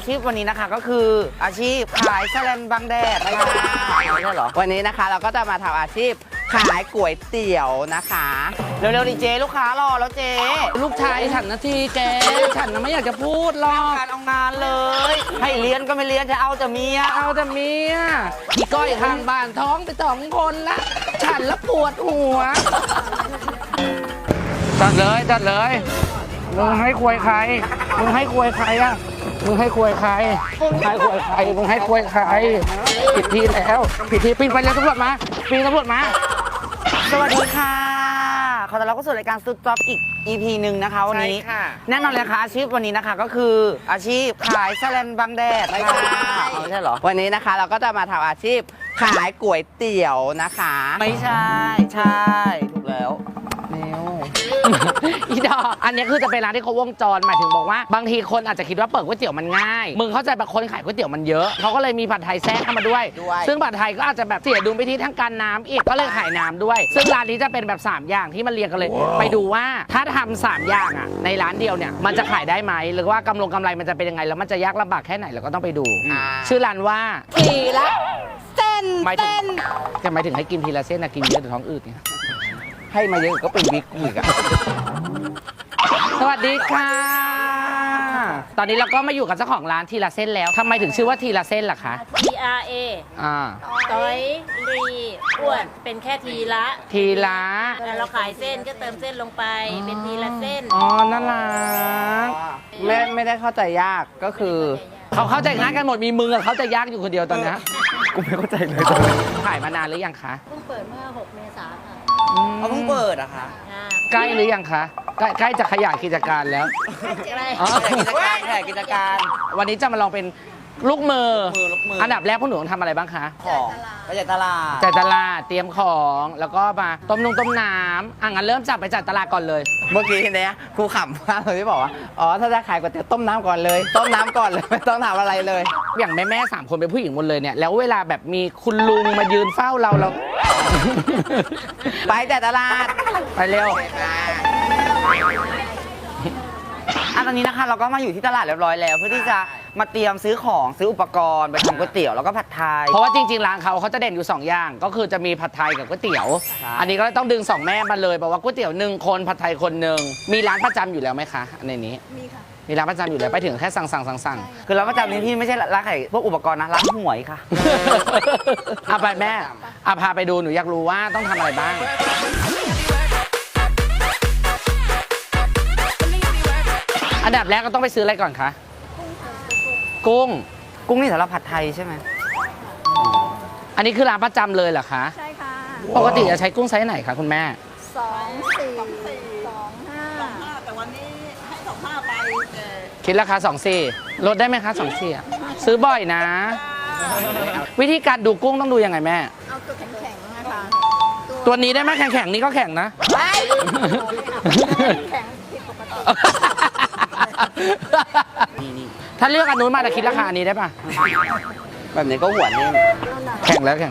ชีพวันนี้นะคะก็คืออาชีพขายแสลนบังแดดไม่ใช่เหรอวันนี้นะคะเราก็จะมาทำอาชีพขายก๋วยเตี๋ยวนะคะเร็วๆดิเจลูกค้ารอแล้วเจลูกชายฉันนะทีแกฉันน่ะไม่อยากจะพูดหรอกการเอางานเลยให้เรียนก็ไม่เรียนจะเอาแต่เมียเอาแต่เมียอีก้อยข้างบ้านท้องไป2 คนละฉันละปวดหัวจัดเลยมึงให้ควยใครมึงให้ควยใครอะมึงให้ควยใครให้ควยใครมึงให้ควยใครผิดทีแล้วผิดทีปีนไปแล้วตำรวจมาปีนตำรวจมาสวัสดีค่ะขอต้อนรับเข้าสู่รายการสตูดจ็อบอีก EP หนึ่งนะคะวันนี้แน่นอนเลยค่ะอาชีพวันนี้นะคะก็คืออาชีพขายแสลนบังแดดไม่ใช่เหรอวันนี้นะคะเราก็จะมาทำอาชีพขายก๋วยเตี๋ยวนะคะไม่ใช่ถูกแล้วแมวอีดอกอันนี้คือจะเป็นร้านที่เขาวงจรหมายถึงบอกว่าบางทีคนอาจจะคิดว่าเปิดก๋วยเตี๋ยวมันง่ายมึงเข้าใจแบบคนขายก๋วยเตี๋ยวมันเยอะเขาก็เลยมีผัดไทยแทรกเข้ามาด้วยซึ่งผัดไทยก็อาจจะแบบเสียดุลไปที่ทั้งการน้ำอีกก็เลยขายน้ำด้วยซึ่งร้านนี้จะเป็นแบบ3อย่างที่มันเรียงกันเลยไปดูว่าถ้าทำ3อย่างอ่ะในร้านเดียวเนี่ยมันจะขายได้ไหมหรือว่ากำไรมันจะเป็นยังไงแล้วมันจะยากลำบากแค่ไหนเราก็ต้องไปดูชื่อร้านว่าทีละเส้นหมายถึงให้กินทีละเส้นนะกินเยอะเดี๋ยวท้องอืดเนี่ยให้มาเยอะก็เป็นบิ๊กอีกอะสวัสดีค่ะตอนนี้เราก็มาอยู่กับเจ้าของร้านทีละเส้นแล้วทำไมถึงชื่อว่าทีละเส้นล่ะคะ TRA ต้อยรีอ้วนเป็นแค่ทีละเราขายเส้นก็เติมเส้นลงไปเป็นทีละเส้นอ๋อน่ารักไม่ได้เข้าใจยากก็คือเขาเข้าใจง่ายกันหมดมีมึงกับเขาจะยากอยู่คนเดียวตอนนี้กูไม่เข้าใจเลยขายมานานหรือยังคะเพิ่งเปิดเมื่อ6 เมษายนค่ะเพิ่งเปิดอะคะใกล้หรือยังคะใกล้จะขยายกิจการแล้วกิจการวันนี้จะมาลองเป็นลูกมืออันดับแรกพวกหนูต้องทำอะไรบ้างคะของไปจัดตลาดเตรียมของแล้วก็มาต้มน้ำงั้นเริ่มจากไปจัดตลาดก่อนเลยเมื่อกี้เนี่ยครูขำมากเลยที่บอกว่าอ๋อถ้าจะขายก๋วยเตี๋ยวต้มน้ำก่อนเลยไม่ต้องทำอะไรเลยอย่างแม่3 คนเป็นผู้หญิงหมดเลยเนี่ยแล้วเวลาแบบมีคุณลุงมายืนเฝ้าเราไปจัดตลาดไปเร็วตอนนี้นะคะเราก็มาอยู่ที่ตลาดเรียบร้อยแล้วเพื่อที่จะมาเตรียมซื้อของซื้ออุปกรณ์ไปทำก๋วยเตี๋ยวแล้วก็ผัดไทยเพราะว่าจริงๆร้านเขาจะเด่นอยู่2 อย่างก็คือจะมีผัดไทยกับก๋วยเตี๋ยวอันนี้ก็ต้องดึง2 แม่มาเลยบอกว่าก๋วยเตี๋ยว1 คนผัดไทยคน1มีร้านประจำอยู่แล้วไหมคะในนี้มีค่ะมีร้านประจำอยู่แล้วไปถึงแค่สั่งคือร้านประจำนี้ที่ไม่ใช่ร้านขายพวกอุปกรณ์นะร้านหวยค่ะไปแม่พาไปดูหนูอยากรู้ว่าต้องทำอะไรบ้างอันดับแรกก็ต้องไปซื้ออะไรก่อนคะกุ้งนี่สำหรับผัดไทยใช่ไหมอันนี้คือร้านประจำเลยเหรอคะใช่ค่ะปกติจะใช้กุ้งไซส์ไหนคะคุณแม่ 24 25แต่วันนี้ให้25ไปคิดราคา24ลดได้ไหมคะ24ซื้อบ่อยนะวิธีการดูกุ้งต้องดูยังไงแม่เอาตัวแข็งๆนะคะตัวนี้ได้ไหมแข็งๆนี่ก็แข็งนะแข็งผิดปกติถ้าเลือกอันนู้นมาจะคิดราคานี้ได้ป่ะแบบนี้ก็หวานนี่แข็งแล้ว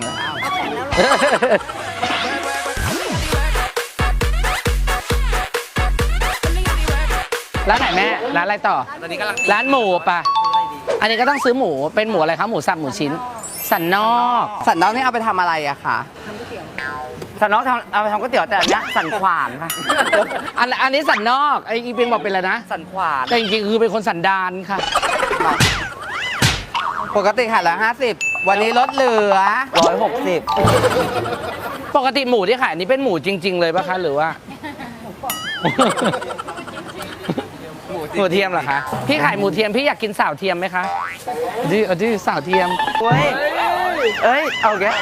ร้านไหนแม่ร้านอะไรต่อร้านหมูป่ะอันนี้ก็ต้องซื้อหมูเป็นหมูอะไรคะหมูสับหมูชิ้นสันนอกนี่เอาไปทำอะไรอะคะสันนอกเอาไปทำก๋วยเตี๋ยวแต่อันนี้สันขวานค่ะอันนี้สันนอกไอ้อีเป็นบอกเป็นอะไรนะสันขวานแต่จริงๆคือเป็นคนสันดานค่ะปกติขาย150วันนี้ลดเหลือ160 ปกติหมูที่ขายนี้เป็นหมูจริงๆเลยป่ะคะหรือว่าหมูเทียมเหรอคะพี่ขายหมูเทียมพี่อยากกินสาวเทียมไหมคะดิสาวเทียมเอ้ยเอาแก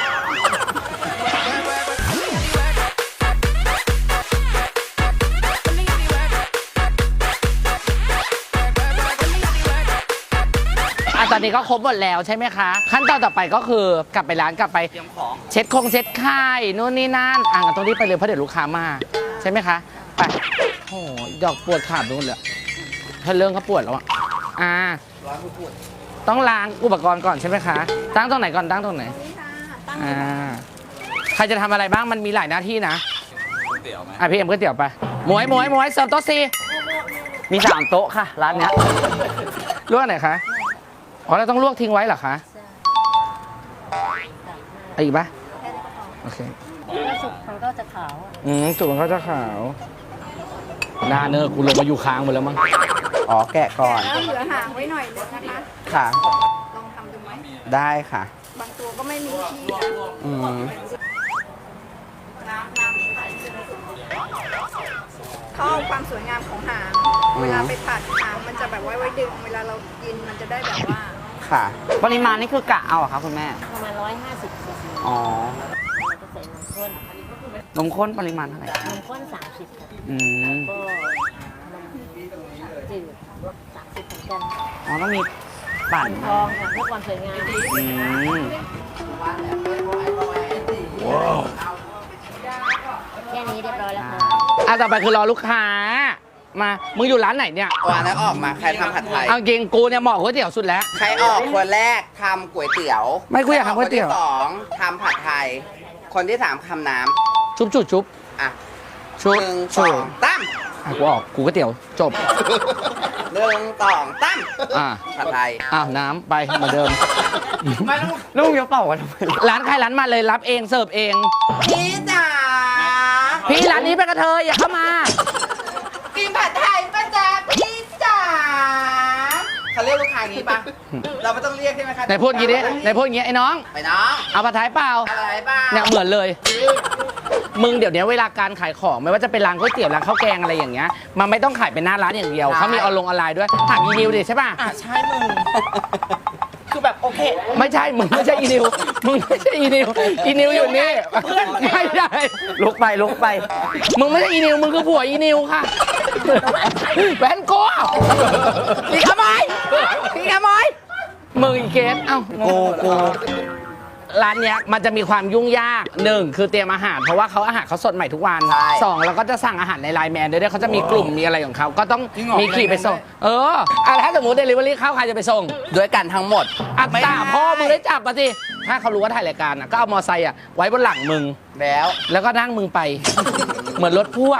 ตอนนี้ก็ครบหมดแล้วใช่ไหมคะขั้นตอนต่อไปก็คือกลับไปร้านกลับไปเตรียมของเช็ดไข่นู่นนี่นั่นตรงนี้ไปเลยเพราะเดี๋ยวลูกค้ามาใช่ไหมคะไปโอ้ดอกปวดขาดนู่นเลยถ้าเรื่องเขาปวดแล้วต้องล้างอุปกรณ์ก่อนใช่ไหมคะตั้งตรงไหนก่อนตั้งตรงไหนใครจะทำอะไรบ้างมันมีหลายหน้าที่นะพี่เอ็มก๋วยเตี๋ยวไปหมวยเสิร์ฟโต๊ะ4 มี3 โต๊ะค่ะร้านเนี้ยรู้อันไหนคะอ๋อเราต้องลวกทิ้งไว้เหรอคะเอาอีกปะโอเคแล้วสุกมันก็จะขาวอะสุกมันก็จะขาวหน้าเนอกูลงมาอยู่ค้างหมดแล้วมั้งอ๋อแกะก่อนแล้วเหลือหางไว้หน่อยนึงนะคะค่ะลองทำดูไหมได้ค่ะบางตัวก็ไม่มีที่นะอืมเขาเอาความสวยงามของหาง เวลาไปผัดหางมันจะแบบไว้ดึง เวลาเรากินมันจะได้แบบว่าค่ะ ปริมาณนี่คือกะเอาเหรอคะคุณแม่ประมาณ150 ซีซีอ๋อเราจะใส่นมข้นนมข้นปริมาณเท่าไหร่นมข้น30ค่ะอืมก็นมจืด30เหมือนกันอ๋อต้องมีปั่นทองค่ะเพื่อความสวยงามอืมแค่นี้เรียบร้อยแล้วค่ะต่อไปคือรอลูกค้ามามึงอยู่ร้านไหนเนี่ยวันนั้นออกมาใครทำผัดไทยเอาจริงกูเนี่ยเหมาะก๋วยเตี๋ยวสุดแล้วใครออกคนแรกทำก๋วยเตี๋ยวไม่กูอยากทำก๋วยเตี๋ยวคนที่สองทำผัดไทย คนที่สามทำน้ชุบจุดชุบำอ่ะชุบหนึ่งสชุอบ งตั้มกูออกกูก๋วยเตี๋ยวจบหนึ่งสองตั้มอ่ะผัดไทยน้ำไปเหมือนเดิมไม่ลูกยกเป่ากันทำไมร้านใครร้านมันเลยรับเองเสิร์ฟเองพี่จ๋าพี่ร้านนี้เป็นกระเทยอย่าเข้ามากินผัดไทยป่ะจ๊ะพี่จ๋าเขาเรียกลูกค้าอย่างนี้ป่ะ เราไม่ต้องเรียกใช่ไหมคะไหนพูดอย่างงี้ดิไหนพูดอย่างงี้ไอ้น้องไปน้องเอาผัดไทยเปล่าอะไรบ้างเนี่ยเหมือนเลย มึงเดี๋ยวนี้เวลาการขายของไม่ว่าจะเป็นร้านก๋วยเตี๋ยวร้านข้าวแกงอะไรอย่างเงี้ยมันไม่ต้องขายเป็นหน้าร้านอย่างเดียวเขามีออนไลน์ด้วยถามอีนิวดิใช่ป่ะอ่ะใช่มึง คือแบบโอเคไม่ใช่มึงไม่ใช่อีนิวมึงไม่ใช่อีนิวอีนิวอยู่นี่ไม่ใช่ลุกไปลุกไปมึงไม่ใช่อีนิวมึงคือผัวอีนิวค่ะแฟนกูพี่ขโมยพี่ขโมยมึงอีเกสเอ้ากูร้านเนี้ยมันจะมีความยุ่งยากหนึ่งคือเตรียมอาหารเพราะว่าเขาอาหารเขาสดใหม่ทุกวันสองแล้วก็จะสั่งอาหารในไลน์แมนด้วยเขาจะมีกลุ่มมีอะไรของเขาก็ต้องมีขี่ไปส่งถ้าสมมติเดลิเวอรี่เข้าใครจะไปส่งด้วยกันทั้งหมดอัตตาพ่อมึงได้จับมาสิถ้าเขารู้ว่าถ่ายรายการก็เอามอไซค์ไว้บนหลังมึงแล้วแล้วก็นั่งมึงไป เหมือนรถพ่วง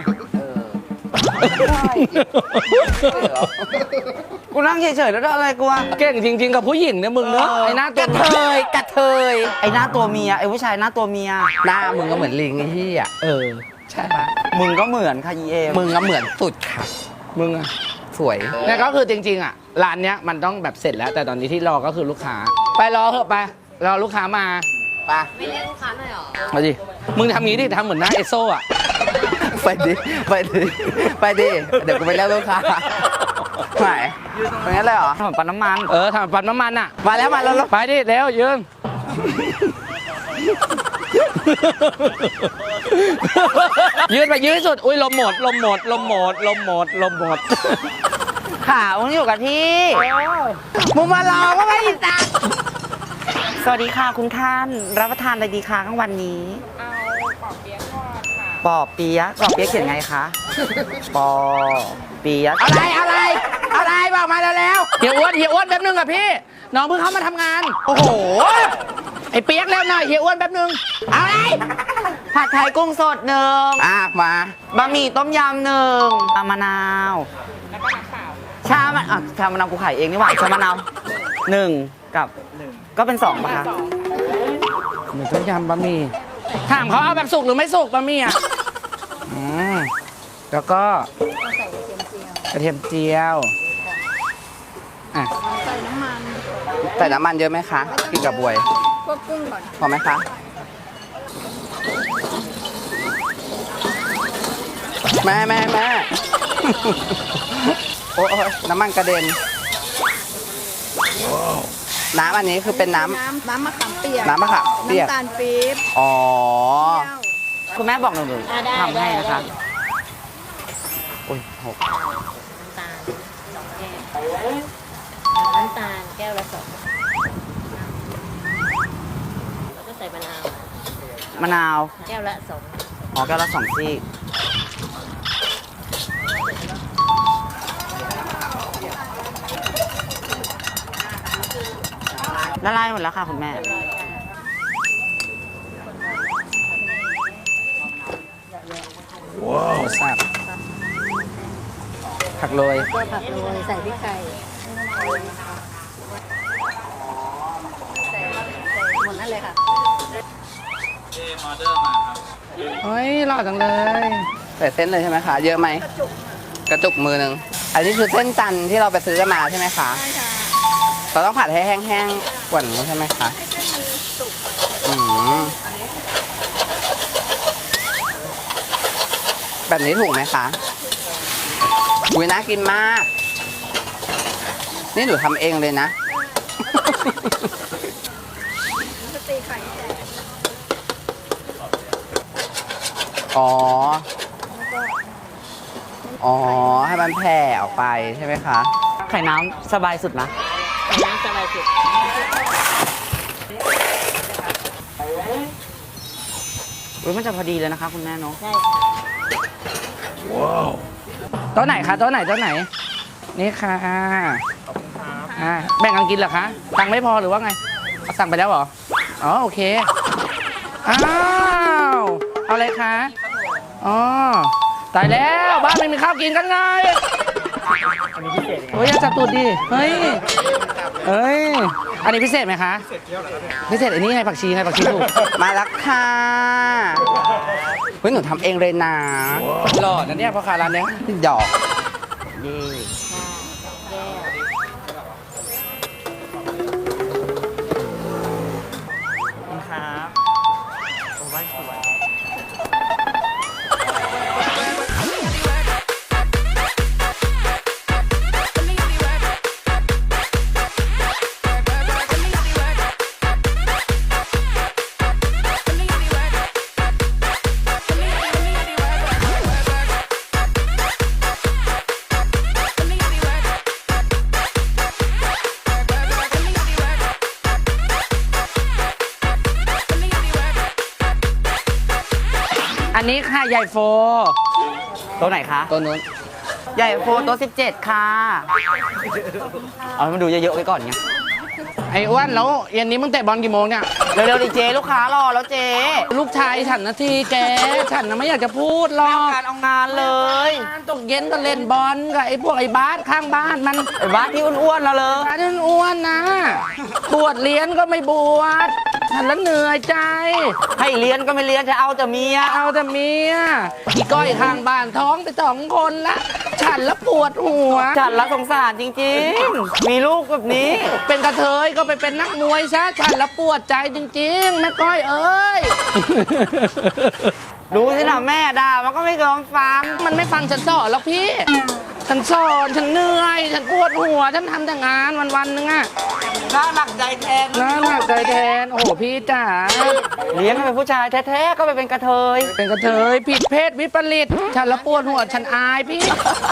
กูนั่งเฉยๆแล้วอะไรกูอะเก่งจริง ๆ กับผู้หญิงเนี่ยมึงเนอะไอ้หน้าตัวกระเทยกระเทยไอ้หน้าตัวเมียไอ้ผู้ชายหน้าตัวเมียหน้ามึงก็เหมือนลิงไอ้ที่อ่ะใช่ปะมึงก็เหมือนค่ะยีเอมึงก็เหมือนสุดค่ะมึงอะสวยเนี่ยก็คือจริงๆร้านเนี้ยมันต้องแบบเสร็จแล้ว แต่ตอนนี้ที่รอก็คือลูกค้า ไปรอเถอะไปรอลูกค้ามาไปไม่เรียกลูกค้าหน่อยหรอมาดิมึงทำงี้ดิทำเหมือนหน้าเอโซ่อะไปดิไปดิไปดิเดี๋ยวกูไปเรียกลูกค้าไหนเป็นงั้นเลยเหรอถนนปั๊มน้ำมันทำปั๊มน้ำมันอะมาแล้วมาแล้วไปดิเร็วยืนยืนไปยืนที่สุดอุ้ยลมหมดลมหมดลมหมดลมหมดลมหมดขามึงอยู่กับที่มึงมารอก็ไม่ได้จ้ะสวัสดีค่ะคุณท่านรับประทานอะไรดีคะกลางวันนี้ปอเปี๊ยะปอเปี๊ยะเขียนไงคะปอเปี๊ยะอะไรบอกมาแล้วเฮียอ้วนแป๊บนึงอะพี่น้องเพิ่งเข้ามาทำงานโอ้โหไอ้เปียกเร็วหน่อยเฮียอ้วนแป๊บนึงเอาอะไรผัดไทยกุ้งสดหนึ่งมาบะหมี่ต้มยำหนึ่งชามะนาวชามะนาวกูขายเองนี่หว่าชามะนาวหนึ่งกับก็เป็นสองป่ะคะเหมือนต้มยำบะหมี่ถามเขาเอาแบบสุกหรือไม่สุกบะหมี่อ่ะแล้วก็กระเทียมเจียวอ่ะใส่น้ำมันใส่น้ำมันเยอะไหมคะกินกับบวยพวกกุ้งก่อนพอไหมคะแม่ โอ้ยน้ำมันกระเด็นน้ำอันนี้คือเป็นน้ำน้ำมะขามเปียกน้ำมะขามเปียกน้ำตาลปี๊บอ๋อเปรี้ยวคุณแม่บอกหนูได้ทำให้นะคะได้อุ้ยหกน้ำตาล2 แก้วน้ำตาลแก้วละ2แล้วก็ใส่มะนาวมะนาวแก้วละ2 อ๋อแก้วละ2ซี่ละลายหมดแล้วค่ะคุณแม่ว้าวแซ่บผักโรยก็ผักโรยใส่พริกไทยออเดอร์มาครับเฮ้ยหล่อจังเลยใส่เส้นเลยใช่ไหมคะ เยอะไหม กระจุกมือหนึ่งอันนี้คือเส้นจันทร์ที่เราไปซื้อกันมาใช่ไหมคะใช่ค่ะเราต้องผัดให้แห้งๆกว่านี้ใช่ไหมคะให้เส้นมันสุกอืมแบบนี้ถูกไหมคะอุ้ยน่ากินมาก นี่หนูทำเองเลยนะจะตีไข่แตกอ๋อแล้วก็อ๋อ ให้มันแผ่ออกไปใช่ไหมคะไข่น้ำสบายสุดนะน้ำสบายสุดอุ้ยมันจะพอดีเลยนะคะคุณแม่เนาะใช่ค่ะโต๊ะไหนคะโต๊ะไหนโต๊ะไหน นี่ค่ะแบ่งกันกินเหรอคะตังค์ไม่พอหรือว่าไงเอาสั่งไปแล้วเหรอ อ๋อโอเค อ้าว เอาอะไรคะ อ๋อ ตายแล้วบ้านไม่มีข้าวกินกันไงโอ้ยอย่าจับตูดดิ เฮ้ย เฮ้ย อันนี้พิเศษไหมคะ พิเศษอันนี้ไงผักชีไงผักชีถูก มาแล้วค่ะเฮ้ยหนูทำเองเลยนะหล่อนะเนี่ยพ่อค้าร้านเนี้ยหยอกเย่แก้วคุณครับโอ้ยสวยอันนี้ค่ะใหญ่โฟตัวไหนคะตัวนู้นใหญ่โฟตัว17 ค่ะ เอาให้มันดูเยอะๆไว้ก่อนไงไอ้อ้วนแล้วเย็นนี้มึงเตะบอลกี่โมงเนี่ยเร็วๆดิเจลูกค้ารอแล้วเจลูกชายฉันนาทีแก ฉันน่ะไม่อยากจะพูดหรอกการเอางานเลยตกเย็นก็เล่นบอลกับไอ้พวกไอ้บาสข้างบ้านมันไอ้บ้าสที่อ้วนๆแล้วเลยบาสนั่นอ้วนนะบวชเรียนก็ไม่บวชฉันแล้วเหนื่อยใจให้เรียนก็ไม่เรียนจะเอาแต่เมียเอาแต่เมียอีก้อยข้างบ้านท้องไป2 คนละ ฉันแล้วปวดหัวจัดละสงสารจริงๆ มีลูกแบบนี้เป็นกระเทยก็ไปเป็นนักมวยซะฉันแล้วปวดใจจริงๆแม่ก้อยเอ้ยดูสินะแม่ด่ามันก็ไม่ยอมฟังมันไม่ฟังฉันสอนหรอกพี่ ฉันสอนฉันเหนื่อย ฉันปวดหัว ฉันทำแต่งานวันๆนึงอะน่าหนักใจแทนน่าหนักใจแทน โอ้โหพี่จ๋าเลี้ยงให้เป็นผู้ชายแท้ๆ ก็ไปเป็นกระเทยเป็นกระเทยผิดเพศวิปริต ฉันละปวดหัว ฉันอายพี่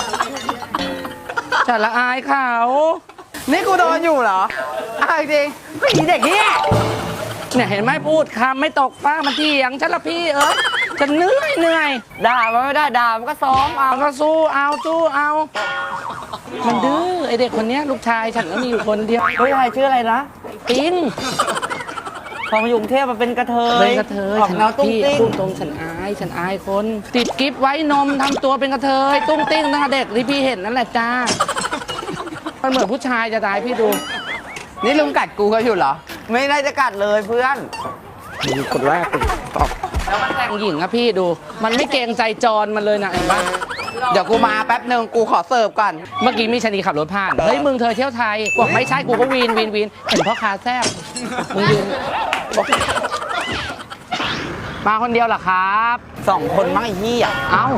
ฉันละอายเขานี่กูโดนอยู่เหรออ้าวจริงไม่มีเด็กเนี่ยเนี่ยเห็นไหมพูดคำไม่ตกฟ้ามันเถียงฉันละพี่ฉันเหนื่อยด่ามันไม่ได้ด่ามันก็ซ้อมเอามันก็สู้เอา มันดื้อไอเด็กคนเนี้ยลูกชายฉันก็มีอยู่คนเดียวเฮ้ยอะไรชื่ออะไรนะปิงพอมาอยู่กรุงเทพมาเป็นกระเทยเป็นกระเทยออกฉันแนวตุ้งพี่ติ้งพูดตรงฉันอายคน ติดกิฟไว้นมทำตัวเป็นกระเทยตุ้งติ้งตั้งแต่เด็กที่พี่เห็นนั่นแหละจ้ามันเหมือนผู้ชายจะตายพี่ดูนี่ลุงกัดกูก็อยู่เหรอ ไม่ได้จะกัดเลยเพื่อนดูคนแรกตอบแล้วมันแต่งหญิงอะพี่ดู มันไม่เกรงใจจรมันเลยนะเห็นปะเดี๋ยวกูมาแป๊บหนึ่งกูขอเสิร์ฟก่อนเมื่อกี้มีชนีขับรถผ่าน เฮ้ยมึงเธอเที่ยวไทยบอกไม่ใช่กูก็วีนเห็นพ่อค้าแซ่บมึงยืนบอกมาคนเดียวเหรอครับ 2 คนมั้งไอ้เหี้ยเอ้า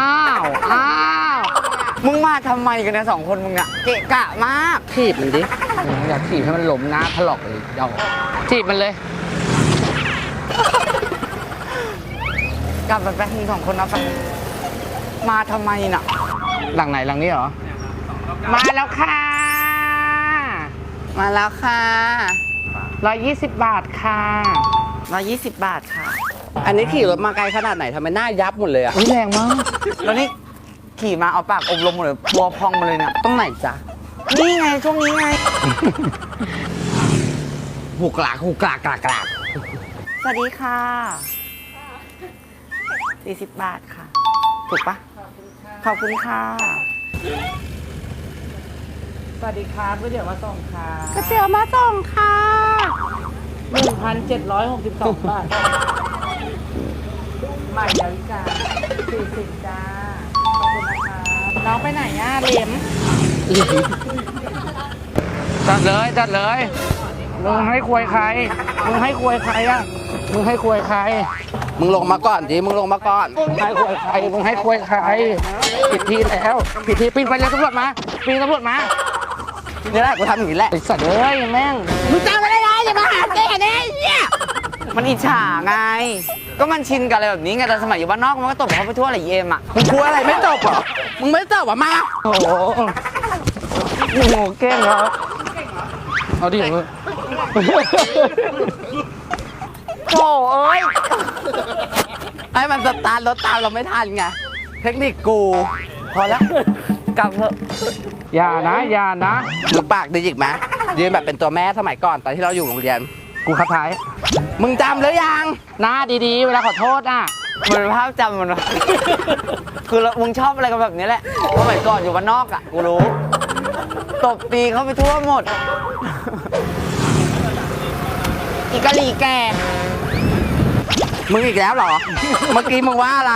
มึงมาทำไมกันเนี่ย2 คนมึงอะเกะกะมากถีบมันดิอยากถีบให้มันล้มนะถลอกเลยเดาถีบมันเลยกลับไปแป๊บนึง2 คนนะไปมาทำไมน่ะหลังไหนหลังนี้เหรอ มาแล้วค่ะมาแล้วค่ะ 120 บาทค่ะ 120 บาทค่ะอันนี้ขี่รถมาไกลขนาดไหนทำไมหน้ายับหมดเลยอ่ะแรงมากแล้วนี่ขี่มาเอาปากอบรมหมดเลยบัวพองมาเลยเนี่ยตรงไหนจ๊ะนี่ไงช่วงนี้ไงหูกลากสวัสดีค่ะ 40 บาทค่ะ ถูกปะขอบคุณค่ะสวัสดีครับก๋วยเตี๋ยวมาส่งค่ะก๋วยเตี๋ยวมาส่งค่ะ 1,762 บาทใหม่ดาวิกา40จ้าขอบคุณนะคะน้องไปไหนอ่ะเหลียมจัดเลยจัดเลยมึงให้ควยใครมึงให้ควยใครอ่ะมึงให้ควยใครมึงลงมาก่อนดิมึงลงมาก่อนมึงให้ควยใครมึงให้ควยใครผิดทีแล้วผิดทีปีนไปเลยตำรวจมาปีนตำรวจมานี่แหละกูทำอย่างนี้แหละไอ้สัตว์เอ้ยแม่งมึงจำไม่ได้ไงอย่ามาหาแกเนี่ยมันอิจฉาไง ก็มันชินกับอะไรแบบนี้ไงแต่สมัยอยู่บ้านนอกมันก็ตบเขาไปทั่วอะไรเยมอ่ะมึงกลัวอะไรไม่จบเหรอมึงไม่จบอ่ะมาโอ้โหโอ้โหเก่งเหรอเอาดิมึงโถ่เอ้ยให้มันสตาร์ทรถตามเราไม่ทันไงเทคนิคกูพอแล้วกลับเถอะอย่านะอย่านะมึงปากดีอีกไหมยืนแบบเป็นตัวแม่สมัยก่อนตอนที่เราอยู่โรงเรียนกูคัดท้ายมึงจำหรือยังหน้าดีๆเวลาขอโทษอ่ะมันเป็นภาพจำมันวะคือมึงชอบอะไรกันแบบนี้แหละสมัยก่อนอยู่บ้านนอกอ่ะกูรู้ตบตีเขาไปทั่วหมดอีกะหรี่แกมึงอีกแล้วเหรอ เมื่อกี้มึงว่าอะไร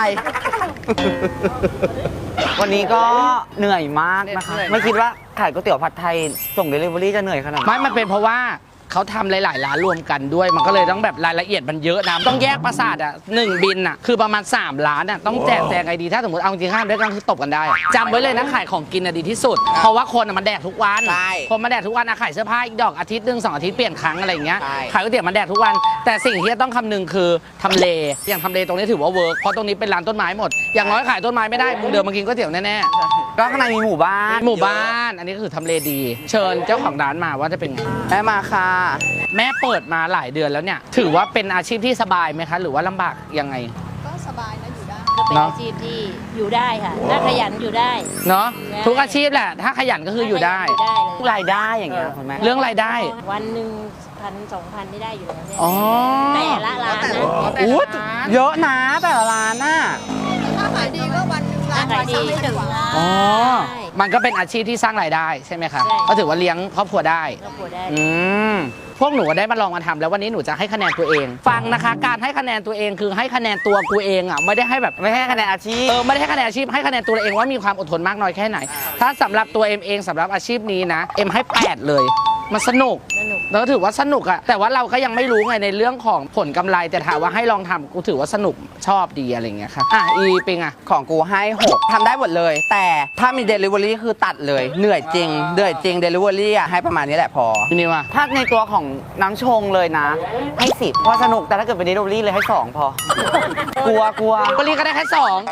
วันนี้ก็เหนื่อยมากนะคะไม่คิดว่าขายก๋วยเตี๋ยวผัดไทยส่งเดลิเวอรี่จะเหนื่อยขนาดนี้ไม่มันเป็นเพราะว่าเขาทำหลายๆร้านรวมกันด้วย มันก็เลยต้องแบบรายละเอียดมันเยอะนะต้องแยกประสาทอ่ะ1บินอ่ะคือประมาณ3ล้านอ่ะต้องแจกแจงไอดีถ้าสมมติเอาจริงๆห้ามด้วยกันคือตบกันได้อะจำไว้เลยนะขายของกินอ่ะดีที่สุด เพราะว่าคนอ่ะมันแดกทุกวันใช่คนมาแดกทุกวันอะขายเสื้อผ้าอีกดอกอาทิตย์หนึ่ง2 อาทิตย์เปลี่ยนครั้งอะไรอย่างเงี้ยใช่ขายก๋วยเตี๋ยวมันแดกทุกวัน แต่สิ่งที่จะต้องคำนึงคือทำเลอย่างทำเลตรงนี้ถือว่าเวิร์กเพราะตรงนี้เป็นร้านต้นไม้หมดอย่างน้อยขายต้นไม้ไม่ได้มึงเดินมากินก๋วยเตี๋ยวแน่ก็ข้างในมีหมู่บ้านๆหมู่บ้านอันนี้ก็คือทำเลดี เชิญเจ้าของร้านมาว่าจะเป็นไงแม่มาค่ะแม่เปิดมาหลายเดือนแล้วเนี่ย ถือว่าเป็นอาชีพที่สบายไหมคะ หรือว่าลำบากยังไงก็สบายนะอยู่ได้ก็เป็นเนอะอาชีพที่อยู่ได้ค่ะถ้าขยันอยู่ได้เนาะใช่ทุกอาชีพแหละ ถ้าขยันก็คืออยู่ได้อยู่ได้เลยรายได้อย่างเงี้ยคุณแม่เรื่องรายได้วันหนึ่ง1,000-2,000นี่ได้อยู่แล้วเนี่ยอ๋อแต่ละร้านนะอู้เยอะนะแต่ละร้านน่ะถ้าขายดีก็วันหนึ่งถ้าขายดีก็ถึงอ๋อ มันก็เป็นอาชีพที่สร้างรายได้ใช่ไหมคะใช่ก็ถือว่าเลี้ยงครอบครัวได้ครอบครัวได้อืม พวกหนูได้มาลองมาทำแล้ววันนี้หนูจะให้คะแนนตัวเอง ฟังนะคะ การให้คะแนนตัวเองคือให้คะแนนตัวกูเองอ่ะไม่ได้ให้แบบไม่ให้คะแนนอาชีพไม่ได้ให้คะแนนอาชีพให้คะแนนตัวเองว่ามีความอดทนมากน้อยแค่ไหน ถ้าสำหรับตัวเองสำหรับอาชีพนี้นะเอ็มให้8เลยมันสนุกสนุกแล้วถือว่าสนุกอะแต่ว่าเราก็ยังไม่รู้ไงในเรื่องของผลกำไรแต่ถามว่าให้ลองทำกูถือว่าสนุกชอบดีอะไรอย่างเงี้ยค่ะอีปิงอะของกูให้ 6ทำได้หมดเลย แต่ถ้ามี Delivery คือตัดเลยเหนื่อยจริงDelivery อ่ะให้ประมาณนี้แหละพอพี่นิวอะถ้าในตัวของน้ำชงเลยนะ ให้ 10เพราะสนุกแต่ถ้าเกิดเป็น Delivery เลยให้ 2 พอ กลัวก็รีก็ได้แค่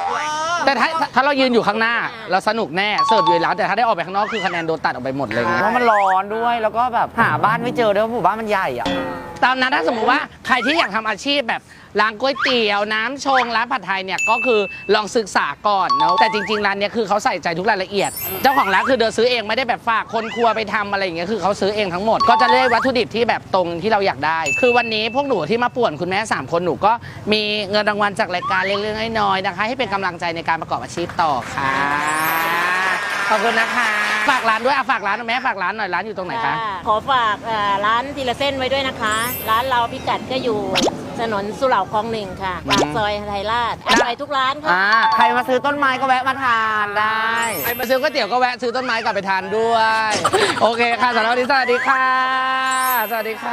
2แต่ถ้าเรายืนอยู่ข้างหน้า เราสนุกแน่เสิร์ฟอยู่ในร้านแต่ถ้าได้ออกไปข้างนอกคือคะแนนโดนตัดออกไปหมดเลยไงเพราะมันร้อนด้วยแล้วก็แบบหาบ้านไม่เจอด้วยเพราะหมู่บ้านมันใหญ่อ่ะตอนนั้นถ้าสมมติว่าใครที่อยากทำอาชีพแบบร้านก๋วยเตี๋ยวน้ำชงร้านผัดไทยเนี่ยก็คือลองศึกษาก่อนเนาะแต่จริงๆร้านเนี้ยคือเขาใส่ใจทุกรายละเอียด เจ้าของร้านคือเดินซื้อเองไม่ได้แบบฝากคนครัวไปทำอะไรอย่างเงี้ยคือเขาซื้อเองทั้งหมดก็จะเลือกวัตถุดิบที่แบบตรงที่เราอยากได้ คือวันนี้พวกหนูที่มาป่วนคุณแม่3คนหนูก็มีเงินรางวัลจากรายการเล็กๆน้อยๆนะคะให้เป็นกำลังใจในการประกอบอาชีพต่อค่ะขอบคุณนะคะฝากร้านด้วยฝากร้านหน่อยแม่ฝากร้านหน่อยร้านอยู่ตรงไหนคะขอฝากร้านทีละเส้นไว้ด้วยนะคะ ร้านเราพิกัดก็อยู่ถนนสุเหร่าคลอง1ค่ะปากซอยไทยราชอร่อยทุกร้านค่ะใครมาซื้อต้นไม้ก็แวะมาทานได้ใครมาซื้อก๋วยเตี๋ยวก็แวะซื้อต้นไม้กลับไปทานด้วย โอเคค่ะสำหรับวันนี้สวัสดีค่ะ สวัสดีค่ะ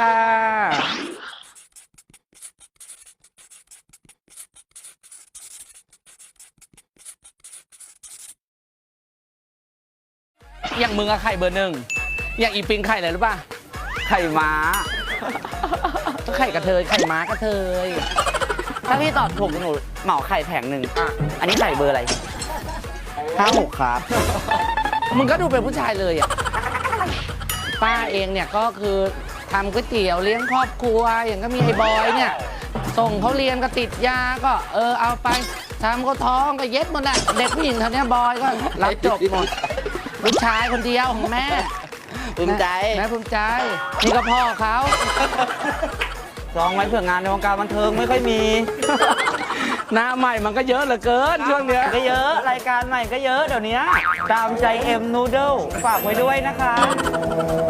อย่างมึงอะไข่เบอร์ 1อย่างอีปิงไข่อะไรรู้ป่ะไข่ม้าไข่กระเทยไข่ม้ากระเทยถ้าพี่ตอบถูกหนูเหมาไข่แผงหนึ่งอันนี้ไข่เบอร์อะไร56ครับมึงก็ดูเป็นผู้ชายเลยอะป้าเองเนี่ยก็คือทำก๋วยเตี๋ยวเลี้ยงครอบครัวอย่างก็มีไอ้บอยเนี่ยส่งเขาเรียนก็ติดยาก็เอาไปทำเขาท้องก็เย็ดหมดแหละเด็กผู้หญิงเท่านี้บอยก็รับจบหมดลูกชายคนเดียวของแม่ภูมิใจแม่ภูมิใจนี่ก็พ่อเขาลองไว้เผื่องานในวงการบันเทิงไม่ค่อยมีหน้าใหม่มันก็เยอะเหลือเกินช่วงเนี้ยก็เยอะรายการใหม่ก็เยอะเดี๋ยวนี้ตามใจเอ็มนูเดิลฝากไว้ด้วยนะคะ